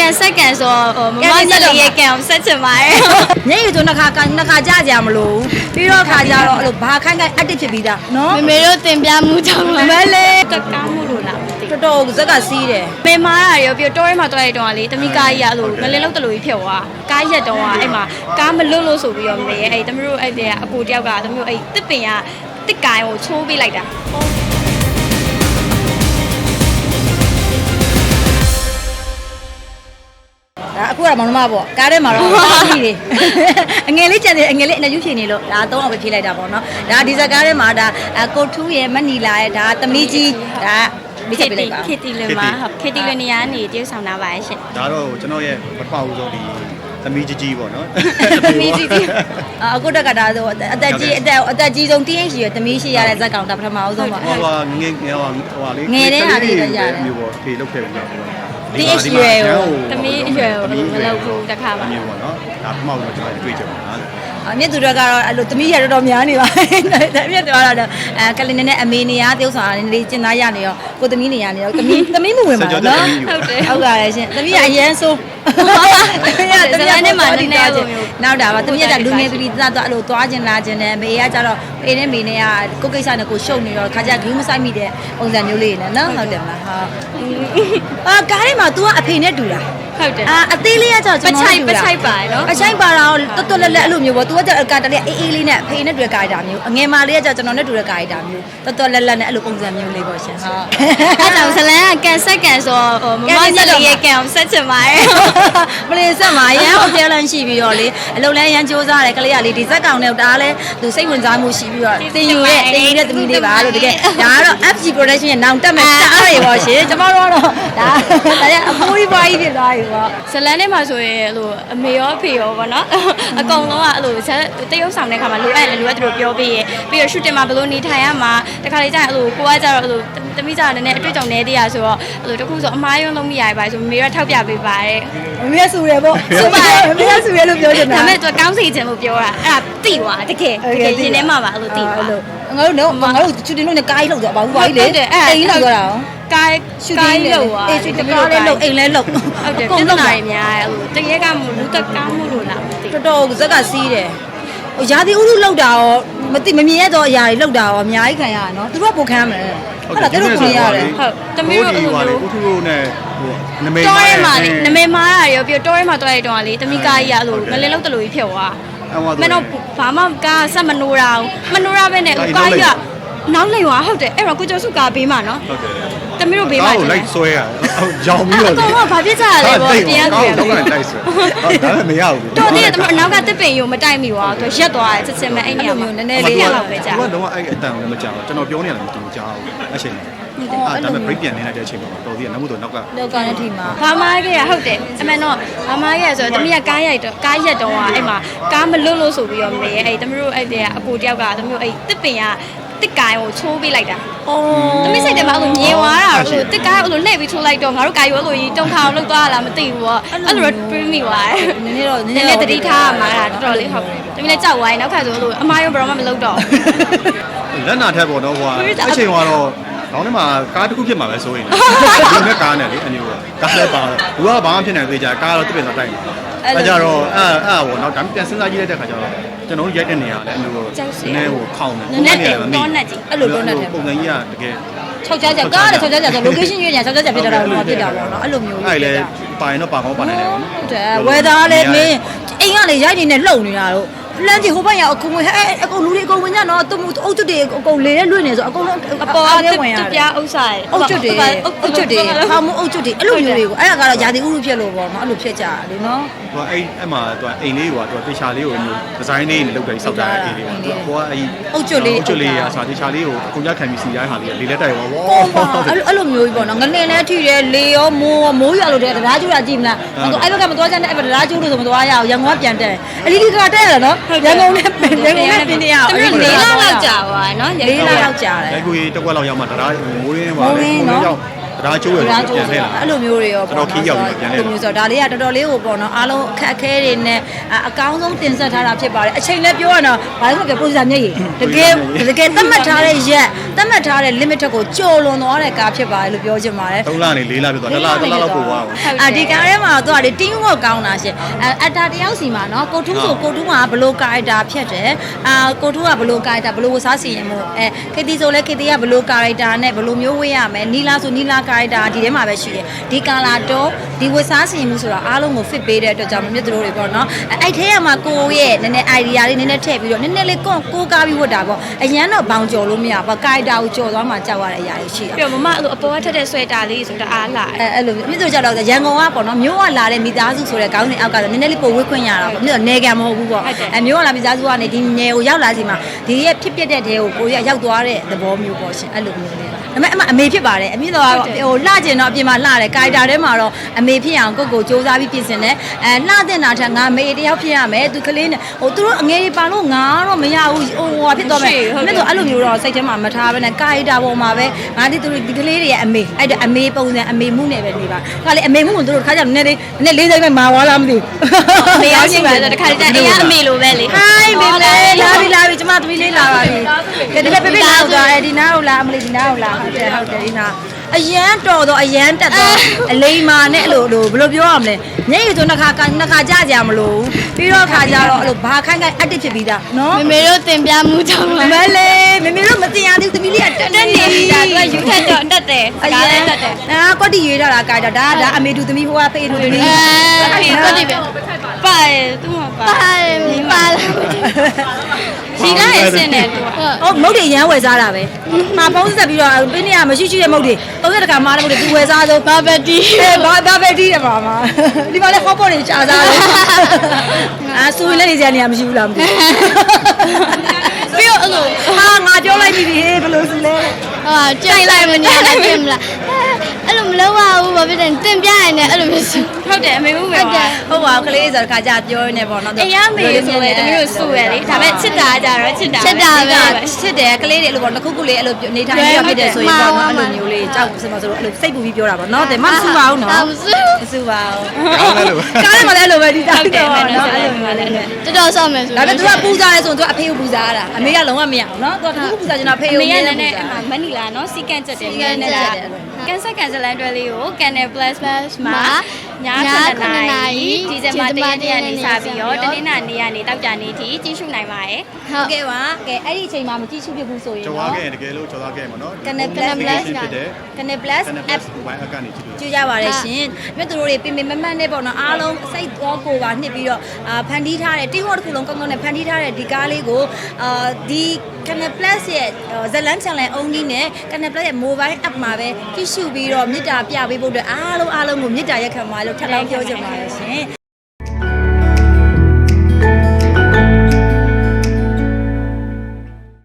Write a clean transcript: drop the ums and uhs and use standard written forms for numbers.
ကန်ဆက်ကန်ဆိုမမညလေးရဲ့ကန်ကိုဆက်ချင်ပါတယ်ညရည်ဆိုနှစ်ခါကြကြမလို့ပြီးတော့ခါကြတော့အဲ့လိုဘာခိုင်းအတစ်ဖြစ်ပြီးသားနော်မမေတို့တင်ပြမှုကြောင့်မလေးတကားမှုလို့လားတော်တော်ဇက်ကစီးတယ်မေမားရရောပြီးတော့ထဲမှာတွားရတော့လေတမိကားကြီးရလို့ငလင်းလုံးတလူကြီးဖြစ်သွားကားရက်တော့အဲ့မှာကားမလွတ်လို့ဆိုပြီးတော့မေအဲ့တမတို့အဲ့တဲ့အကိုတယောက်ကတမတို့အဲ့တစ်ပင်ကတစ်ကိုင်ကိုချိုးပေးလိုက်တာဒါအခုကမောင်နှမပေါ့ကားထဲမှာတော့ကြီးတယ်အငယ်လေးကြံတယ်အငယ်လေးအနယူးဖြေနေလို့ဒါ3အောင်ပဲဖြေလိုက်တာပေါ့နော်ဒါဒီဇက်ကားထဲမှာဒါကိုထူးရဲ့မနီလာရဲ့ဒါသမီးကြီးဒါမိချက်ပြလိုက်ပါခေတီလွင်မှာဟုတ်ခေတီလွင်နေရာနေတရုတ်ဆောင်တာပါရဲ့ရှင်ဒါတော့ကျွန်တော်ရဲ့ပထမဦးဆုံးဒီသမီးကြီးပေါ့နော်သမီးကြီးအခုတက်ကဒါဆိုအသက်ကြီးဆုံး TH ရဲ့သမီးရှိရတဲ့ဇက်ကောင်ဒါပထမဦးဆုံးပါဟိုငယ်လေးငယ်တဲ့ဟာလေးရတယ်မျိုးပေါ့ဖေလုတ်ခဲ့ပြီလား TH ရွယ်ကိုသမီးအရွယ်ကိုမလုပ်ဘူးတစ်ခါပါမျိုးပေါ့နော်ဒါပထမဦးဆုံးကျွန်တော်တွေ့ကြပါလားအမြင့်သူတွေကတော့အဲ့လိုသမီးရတော်များနေပါအမြင့်တော်ကတော့ကလင်းနဲ့အမေနေရတယောက်ဆောင်နေကျင်သားရနေရောကိုသမီးနေရနေရောသမီးမဝင်ပါဘူးနော်ဟုတ်တယ်ဟုတ်ပါတယ်ရှင်သမီးကအရန်ဆိုးဇလန်းနဲ့မှနည်းနည်းလိုမျိုးနောက်တာပါသမီးကလူငယ်ပြည်သားတော့အဲ့လိုသွားခြင်းလာခြင်းနဲ့မေကကြတော့အေးနဲ့မေနဲ့ကကိုကိစ္စနဲ့ကိုရှုပ်နေတော့ခါကြဂင်းမဆိုင်မိတဲ့ပုံစံမျိုးလေးနဲ့နော်ဟုတ်တယ်မလားဟုတ်ကားထဲမှာ तू ကအဖေနဲ့တူတာဟုတ်တယ်အသေးလေးကကြောင့်ကျွန်တော်ပချိုက်ပါတယ်နော်အချိုက်ပါတော့တော်တော်လက်လက်အဲ့လိုမျိုးပေါ့ तू ကကာတလေးအေးလေးနဲ့အဖေနဲ့တွေ့ကာရတာမျိုးအငယ်မလေးကကြောင့်ကျွန်တော်နဲ့တူတဲ့ကာရတာမျိုးတော်တော်လက်လက်နဲ့အဲ့လိုပုံစံမျိုးလေးပေါ့ရှင်ဟုတ်အဲ့ကြောင့်ဇလန်းကကန်ဆက်ကန်ဆိုမမညလေးရဲ့ကန်ကိုဆက်ချင်ပါတယ်မလေးဆက်မှာရန်ဟိုပြောလန်းရှိပြီးတော့လေအလုံးလဲရန်စူးစားတယ်ကလေးကလေဒီဇက်ကောင်နဲ့ဒါလည်းသူစိတ်ဝင်စားမှုရှိပြီးတော့တင်ယူတဲ့သမီးလေးပါလို့တကယ်ဒါကတော့ FG production ရဲ့နောင်တက်မဲ့တားရပေါ့ရှင်ကျွန်တော်တို့ကတော့ဒါအဖိုးကြီးပွားကြီးဖြစ်သွားပြီပေါ့ဇလန်းထဲမှာဆိုရင်အဲ့လိုအမေရောအဖေရောပေါ့နော်အကုန်လုံးကအဲ့လိုတရုပ်ဆောင်တဲ့ခါမှာလိုအပ်တယ်လိုအပ်တယ်လို့ပြောပြီးရပြီးတော့ရှူတင်မှာဘယ်လိုနေထိုင်ရမှာတခါလေကျရင်အဲ့လိုကိုကကြတော့အဲ့လိုသမီးကြတော့လည်းအတွေ့အကြုံနည်းသေးရဆိုတော့အဲ့လိုတခုဆိုအမားရုံးလုံးမရပါဆိုမေကထောက်ပြပေးပါတယ်မေကဆူရပေါ့ဆူပါတယ်မေကဆူရလို့ပြောချင်တာဒါပေမဲ့သူကောင်းစီခြင်းလို့ပြောတာအဲ့ဒါတိသွားတကယ်ရင်ထဲမှာပါအဲ့လိုတိသွားငါတို့ချူတင်လို့နဲ့ကားကြီးလောက်တော့ဘာဘူးပါကြီးလေအိမ်လောက်သွားတာကားရှူတင်လို့အေးရှူတင်ကားလေးလောက်အိမ်လဲလောက်ဟုတ်တယ်ပြဿနာတွေများတယ်အဲ့လိုတကယ်ကမလူတက်ကောင်းမှုလို့လားမသိတော်တော်ဇက်ကစီးတယ်ရာသီဥတုလောက်တာရောမမြင်ရတော့အရာတွေလောက်တာရောအများကြီးခံရတာနော်သူတို့ကပိုခံရမယ်ဟုတ်လားတို့ကိုရတယ်ဟုတ်တမီးတို့အဲ့လိုမျိုးကိုထူတို့နဲ့ဟိုနမေမားရမှာနမေမားရရောပြီးတော့ထဲမှာတွားရတော့လေတမီးကားကြီးရအဲ့လိုငလင်းလုံးတလူကြီးဖြစ်သွားမင်းတို့ဘာမှကားဆက်မနိုးတာမနိုးရပဲနဲ့ကားကြီးကနောက်လိမ်သွားဟုတ်တယ်အဲ့တော့ကိုကျော်စုကားဘေးမှာနော်ဟုတ်တယ်တမီးတို့ဘေးမှာလိုက်ဆွဲရရောင်ပြီးတော့တော့ဘာဖြစ်ကြရလဲပေါ့တရားကောင်းတော့လိုက်ဆွဲဒါလည်းမရဘူးတော့တည်းကတမီးအနောက်ကတစ်ပင်ရုံမတိုက်မိသွားသူရက်သွားတယ်ချက်ချင်းပဲအဲ့နေရာမှာနည်းနည်းလေးလောက်ပဲကြာသူကတော့အဲ့အတန်လည်းမကြောက်ကျွန်တော်ပြောနေရတယ်မတူကြောက်အချိန်ဒါပေမဲ့ break ပြန်နေလိုက်တဲ့အချိန်မှာတော်သေးတယ်နောက်မှတော့နောက်ကလည်းထိမှာဘာမားခဲ့ရဟုတ်တယ်အမှန်တော့ဘာမားခဲ့ရဆိုတော့တမီးကကားရက်တော့အဲ့မှာကားမလွတ်လို့ဆိုပြီးတော့မေအဲ့တမီးတို့အဲ့တဲ့အကိုတယောက်ကတမီးတို့အဲ့တစ်ပင်ကတစ်ကိုင်ကိုချိုးပေးလိုက်တာ။သမီးစိတ်ထဲမှာအဲ့လိုမြင်သွားတာလို့တစ်ကိုင်အဲ့လိုလှည့်ပြီးချိုးလိုက်တော့ငါတို့ကာယူအဲ့လိုကြီးတုံခါအောင်လုပ်သွားလားမသိဘူးပေါ့။အဲ့လိုတော့တွေးမိသွားတယ်။နည်းနည်းတော့တတိထားမှာတာတော်တော်လေးဟုတ်။သမီးလည်းကြောက်သွားရင်နောက်ခါဆိုလို့အမားရောဘယ်တော့မှမလုပ်တော့။လက်နာထက်ပေါ့နော်ဟိုကအချိန်ကတော့ခေါင်းထဲမှာကားတစ်ခုဖြစ်မှာပဲဆိုရင်ဒီမဲ့ကားနဲ့လေအမျိုးကားလည်းပါတော့ဘူးကဘာမှဖြစ်နေသေးကြကားတော့တစ်ပင်တော့တိုက်နေ။အဲကြတော့အဲ့ပေါ့နော်ဒါပြန်စဉ်းစားကြည့်လိုက်တဲ့ခါကျတော့ကျွန်တော်ရိုက်တဲ့နေရာလည်းအမျိုးနည်းဟိုခေါင်းနေနေတယ်တော့နဲ့ကြီးအဲ့လိုတော့နဲ့ပုံစံကြီးကတကယ် 6ကြကားလည်း6ကြဆို location ရွေးနေ6ကြဖြစ်တာတော့ဖြစ်တာပေါ့နော်အဲ့လိုမျိုးအဲ့လေပိုင်တော့ပါကောင်းပါနေတယ်ပေါ့နော်ဟုတ်တယ်ဝယ်သားလည်းမင်းအိမ်ကလေရိုက်နေနဲ့လှုပ်နေတာတော့လမ်းကြီးဟိုဘက်ရောက်အကုန်ဝင်အကုန်လူတွေအကုန်ဝင်ကြတော့သူအုတ်ကျွတ်တွေအကုန်လေနဲ့လွင့်နေဆိုအကုန်လုံးအပေါ်အားဝင်ရတယ်ပြားဥစ္စာအုတ်ကျွတ်တွေဟာမအုတ်ကျွတ်တွေအဲ့လိုမျိုးတွေကိုအဲ့ဒါကတော့ယာတီဥရုဖြစ်လို့ပေါ့နော်အဲ့လိုဖြစ်ကြတယ်နော်ဟိုအဲ့မှာသူအိမ်လေးကသူတေချာလေးကိုမျိုးဒီဇိုင်းလေးနဲ့လုပ်တယ်စောက်ကြတဲ့အိမ်လေးကိုအဲ့အုတ်ကျွတ်လေးကစာတေချာလေးကိုအကုန်ကြခံပြီးစီရိုင်းဟာလေးလေးလက်တိုက်ရောဝေါအဲ့လိုမျိုးကြီးပေါ့နော်ငလင်လည်းထိတယ်လေရောမိုးရလို့တဲ့တရားကျူတာကြည့်မလားအဲ့ဘက်ကမသွားကြနဲ့အဲ့ဘက်တရားကျူလို့ဆိုမသွားရအောင်ရန်ကုန်ကပြန်တက်အလီဒီကတက်ရနော်ရန်ကုန်နဲ့ပြင်းနေရအောင် 4လလောက်ကြာသွားနော် 4လလောက်ကြာတယ်ရိုက်ကိုတကွက်လောက်ရောက်မှတရားမိုးရင်းပါလေမိုးရောက်ဒါချိုးရပြန်ထည့်လာအဲ့လိုမျိုးတွေရောတော်တော်ခီးရောက်ပြီးပြန်ထည့်အဲ့လိုမျိုးဆိုတော့ဒါလေးကတော်တော်လေးကိုပေါ့နော်အားလုံးအခက်အခဲတွေနဲ့အကောင်းဆုံးတင်ဆက်ထားတာဖြစ်ပါတယ်အချိန်လည်းပြောရတော့ဘာလို့လဲပုံစံမျက်ရည်တကယ်သတ်မှတ်ထားတဲ့ရက်သတ်မှတ်ထားတဲ့ limit ကိုကျော်လွန်သွားတဲ့ကားဖြစ်ပါတယ်လို့ပြောချင်ပါတယ် 3လနေ4လပြသွား1လလောက်ပို့သွားအောင်ဒီကားထဲမှာတော့တင်းဝတ်ကောင်းတာရှင်အတာတယောက်စီမှာနော်ကိုထူးဆိုကိုထူးကဘလို့ကာရက်တာဖြစ်တယ်ကိုထူးကဘလို့ကာရက်တာဘလို့ဝစားစီရင်မို့ခေတီဆိုလဲခေတီကဘလို့ကာရက်တာနဲ့ဘလို့မျိုးဝေးရမယ်နီလာဆိုနီလာကာရက်တာဒီထဲမှာပဲရှိတယ်ဒီကာလာတော့ဒီဝစားစီရင်မှုဆိုတာအားလုံးကို fit ပေးတဲ့အတွက်ကြောင့်မြတ်တို့တွေပေါ့နော်အဲ့ထဲမှာကိုရဲ့နည်းနည်း idea လေးနည်းနည်းထည့်ပြီးတော့နည်းနည်းလေးကိုကားပြီးဝတ်တာပေါ့အရန်တော့ဘောင်ကျော်လို့မရဘူးကာရက်တာကိုကျော်သွားမှကြောက်ရတဲ့အရာတွေရှိတယ်ပြီးတော့မမအဲ့လိုအပေါ်ကထက်တဲ့ဆွဲတာလေးဆိုတာအားလာအဲ့လိုမြစ်တို့ကြောက်တော့ရန်ကုန်ကပေါ့နော်မျိုးကလာတဲ့မိသားစုဆိုတဲ့ခေါင်းစဉ်အောက်ကတော့နည်းနည်းလေးပိုဝေးခွင့်ရတာပေါ့မြစ်တော့နေကံမဟုတ်ဘူးပေါ့မျိုးကလာမိသားစုကနေဒီနယ်ကိုရောက်လာစီမှာဒီရဲ့ဖြစ်ပျက်တဲ့တဲကိုကိုရရောက်သွားတဲ့သဘောမျိုးပေါ့ရှင်အဲ့လိုမျိုးလေးပါဒါပေမဲ့အမေဖြစ်ပါတယ်အမြင့်တော့ဟိုလှကျင်တော့အပြင်မှာလှတယ်ကာရီတာထဲမှာတော့အမေဖြစ်အောင်ကိုစူးစမ်းပြီးပြင်ဆင်တယ်လှတဲ့နာထက်ငါမေတယောက်ဖြစ်ရမယ်သူကလေးနဲ့ဟိုသူတို့အငယ်ကြီးပါလို့ငါတော့မရဘူးဟိုဖြစ်သွားမယ်မြစ်တော့အဲ့လိုမျိုးတော့စိတ်ထဲမှာမထားဘဲနဲ့ကာရီတာပေါ်မှာပဲငါဒီသူဒီကလေးတွေရဲ့အမေအဲ့ဒါအမေပုံစံအမေမှုနဲ့ပဲနေပါခါလေအမေမှုကိုတို့တခါကျနည်းနည်းလေးစိမ့်မဲ့မာသွားလားမသိဘူးအမေရောက်ရှိပါဆိုတခါတည်းအေးအမေလိုပဲလေဟိုင်းမေမေလာပြီကျမသမီးလေးလာပါပြီဒီလည်းပြပြလာသွားတယ်ဒီနားကိုလာအမလေးဒီနားကိုလာဟုတ်တယ်ဒီနားအရန်တော်တော့အရန်တက်တော့အလိမ္မာနဲ့အဲ့လိုဘယ်လိုပြောရမလဲညအိဆိုနှစ်ခါကြကြမလို့ပြီးတော့ခါကြတော့အဲ့လိုဘာခိုင်းအက်တစ်ဖြစ်ပြီးသားနော်မမေတို့တင်ပြမှုကြောင့်မလေးမေမေတို့မတင်ရသေးသမီးလေးကတက်နေပြီဒါသူကယူထက်တော့တက်တယ်ကားလည်းတက်တယ်ကွက်တီရွေးထားတာကာကြဒါအမေတူသမီးဟိုကဖေးတူသမီးဖေးတော့ဒီပဲပါတယ်သူ့မှာပါတယ်ပါလာဒီတိုင်းအစင်းနဲ့သူကဟုတ်မုတ်တွေရမ်းဝယ်စားတာပဲမှာဖုံးဆက်ပြီးတော့ပြင်းနေရမရှိရှိတဲ့မုတ်တွေ30တခါမားတဲ့မုတ်တွေသူဝယ်စားဆိုဘာပဲတီးဘာပဲတီးတယ်ပါမဒီမှာလည်းဟော့ပေါ်တွေရှားစားတယ်ဆူရင်လည်းနေကြနေရမရှိဘူးလားမသိပြီးတော့အဲ့လိုဟာငါပြောလိုက်ပြီဟေးဘယ်လိုစလဲဟာကြိုက်လိုက်မနေလိုက်ပြင်မလားအဲ့လိုမလုပ်ပါဘူးဘာဖြစ်လဲတင်ပြရင်လည်းအဲ့လိုမျိုးဟုတ်တယ်အမေမှုပဲဟုတ်တယ်ဟုတ်ပါကလေးဆိုတော့ခါကြပြောရင်းနဲ့ပေါ့နော်အေးရမေဆိုရဲတမီးတို့စုရလေဒါပေမဲ့ချစ်တာကြတော့ချစ်တာပဲချစ်တယ်ကလေးတွေအဲ့လိုပေါ့တစ်ခုလေးအဲ့လိုနေထိုင်ပြီးတော့ဖြစ်တယ်ဆိုရင်ပေါ့နော်အဲ့လိုမျိုးလေးကြောက်စမဆိုတော့အဲ့လိုစိတ်ပူပြီးပြောတာပေါ့နော်တယ်မဆူပါဘူးနော်မဆူမဆူပါဘူးကောင်းတယ်လို့ကားထဲမှာလည်းအဲ့လိုပဲဒီတောက်တယ်ဟုတ်တယ်နော်အဲ့အဲ့လိုလိုမျိုးမျိုးလည်းလည်းတော်တော်ဆောက်မယ်ဆိုဒါပေမဲ့ तू ကပူစားရဲဆိုရင် तू အဖေကိုပူစားရတာအမေကလုံးဝမရဘူးနော် तू ကပူစားချင်တာအဖေအကိုမေပူရစားနေနဲ့အမမနီလာနော်စီကန်ချက်တယ်ကန်ဆက်လန်တွဲလေးကို Canal Plus မှာည9:00နာရီဒီဇင်ဘာ1ရက်နေ့စပြီးတော့တနင်္လာနေ့ကနေတောက်ကြနေ့ထိကြည့်ရှုနိုင်ပါတယ်ဟုတ်ကဲ့ပါကဲအဲ့ဒီအချိန်မှာမကြည့်ရှုဖြစ်ဘူးဆိုရင်ကျော်သွားနော်ခဲ့တကယ်လို့ကျော်သွားခဲ့မှာနော် Canal Plus ဖြစ်တဲ့ Canal Plus app mobile app ကနေကြည့်လို့ကြည့်ကြပါရရှင်မြတ်သူတို့တွေပြင်မတ်နဲ့ပေါ့နော်အားလုံးစိတ်တော်ကိုပါနှစ်ပြီးတော့ဖန်တီးထားတဲ့တင်းဟော့တစ်ခုလုံးကောင်းကောင်းနဲ့ဖန်တီးထားတဲ့ဒီကားလေးကိုဒီ Canal Plus ရဲ့ဇလန် channel only နဲ့ Canal Plus ရဲ့ mobile app မှာပဲကြည့်ရှုပြီးတော့မြစ်တာပြပေးဖို့အတွက်အားလုံးကိုမြစ်တာရက်ခံပါလို့ထပ်လောင်းပြောချင်ပါတယ်ရှင်